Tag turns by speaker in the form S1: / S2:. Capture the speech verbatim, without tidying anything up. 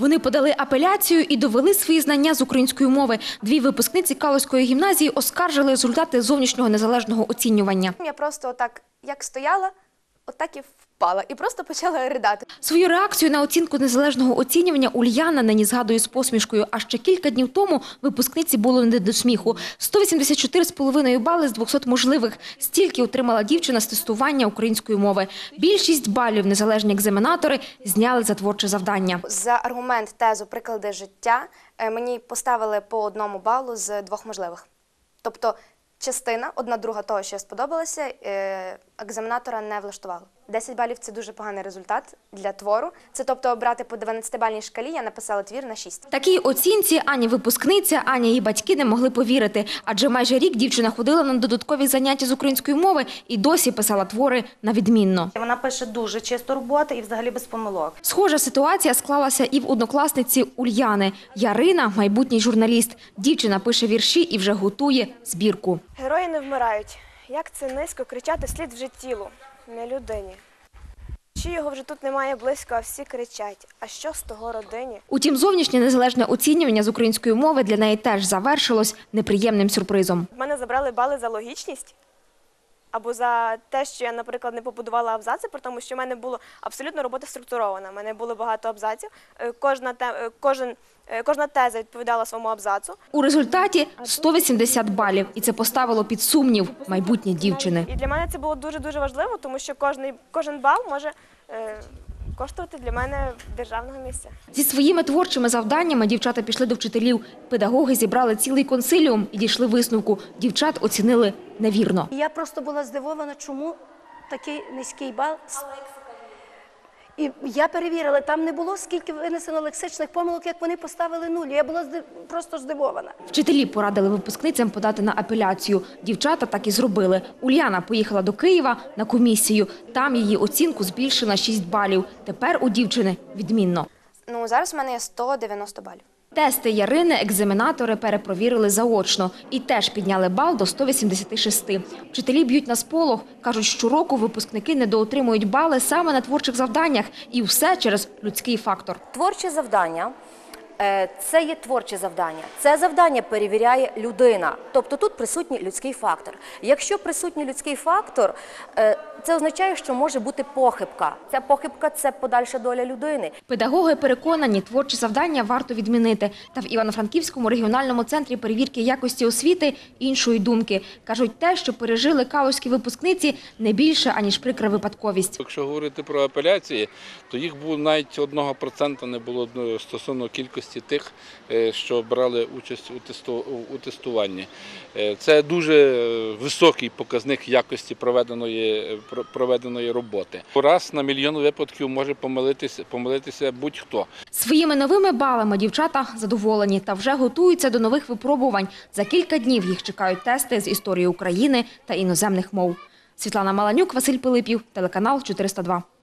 S1: Вони подали апеляцію і довели свої знання з української мови. Дві випускниці Калузької гімназії оскаржили результати зовнішнього незалежного оцінювання.
S2: Я просто отак, як стояла, отак і впала. І просто почала ридати.
S1: Свою реакцію на оцінку незалежного оцінювання Ульяна нині згадує з посмішкою. А ще кілька днів тому випускниці було не до сміху. сто вісімдесят чотири з половиною бали з двохсот можливих. Стільки отримала дівчина з тестування української мови. Більшість балів незалежні екзаменатори зняли за творче завдання.
S2: За аргумент, тезу, приклади життя мені поставили по одному балу з двох можливих. Тобто частина, одна друга того, що сподобалося, екзаменатора не влаштувало. десять балів – це дуже поганий результат для твору. Це, тобто, брати по дванадцятибальній шкалі, я написала твір на шість.
S1: Такій оцінці ані випускниця, ані її батьки не могли повірити. Адже майже рік дівчина ходила на додаткові заняття з української мови і досі писала твори на відмінно.
S3: Вона пише дуже чисто роботи і взагалі без помилок.
S1: Схожа ситуація склалася і в однокласниці Ульяни. Ярина – майбутній журналіст. Дівчина пише вірші і вже готує збірку.
S4: Герої не вмирають. Як це низько кричати вслід вже тілу, не людині. Чи його вже тут немає близько, а всі кричать. А що з того родині?
S1: Утім, зовнішнє незалежне оцінювання з української мови для неї теж завершилось неприємним сюрпризом.
S4: В мене забрали бали за логічність. Або за те, що я, наприклад, не побудувала абзаци, при тому, що в мене була абсолютно робота структурована. У мене було багато абзаців, кожна, те, кожен, кожна теза відповідала своєму абзацу.
S1: У результаті сто вісімдесят балів. І це поставило під сумнів майбутнє дівчини.
S4: І для мене це було дуже-дуже важливо, тому що кожен, кожен бал може е, коштувати для мене державного місця.
S1: Зі своїми творчими завданнями дівчата пішли до вчителів. Педагоги зібрали цілий консиліум і дійшли висновку. Дівчат оцінили невірно.
S5: Я просто була здивована, чому такий низький бал. І я перевірила, там не було скільки винесено лексичних помилок, як вони поставили нуль. Я була здив... просто здивована.
S1: Вчителі порадили випускницям подати на апеляцію. Дівчата так і зробили. Уляна поїхала до Києва на комісію. Там її оцінку збільшили на шість балів. Тепер у дівчини відмінно.
S2: Ну, зараз в мене є сто дев'яносто балів.
S1: Тести Ярини екзаменатори перепровірили заочно і теж підняли бал до сто вісімдесят шість. Вчителі б'ють на сполох. Кажуть, щороку випускники недоотримують бали саме на творчих завданнях. І все через людський фактор.
S6: Творче завдання – це є творче завдання. Це завдання перевіряє людина. Тобто тут присутній людський фактор. Якщо присутній людський фактор, це означає, що може бути похибка. Ця похибка – це подальша доля людини.
S1: Педагоги переконані, творчі завдання варто відмінити. Та в Івано-Франківському регіональному центрі перевірки якості освіти іншої думки. Кажуть, те, що пережили калузькі випускниці, не більше, аніж прикра випадковість.
S7: Якщо говорити про апеляції, то їх було навіть одного процента не було стосовно кількості тих, що брали участь у тестуванні. Це дуже високий показник якості проведеної, проведеної роботи. Раз на мільйон випадків може помилитися, помилитися будь-хто.
S1: Своїми новими балами дівчата задоволені та вже готуються до нових випробувань. За кілька днів їх чекають тести з історії України та іноземних мов. Світлана Маланюк, Василь Пилипів, телеканал чотириста два.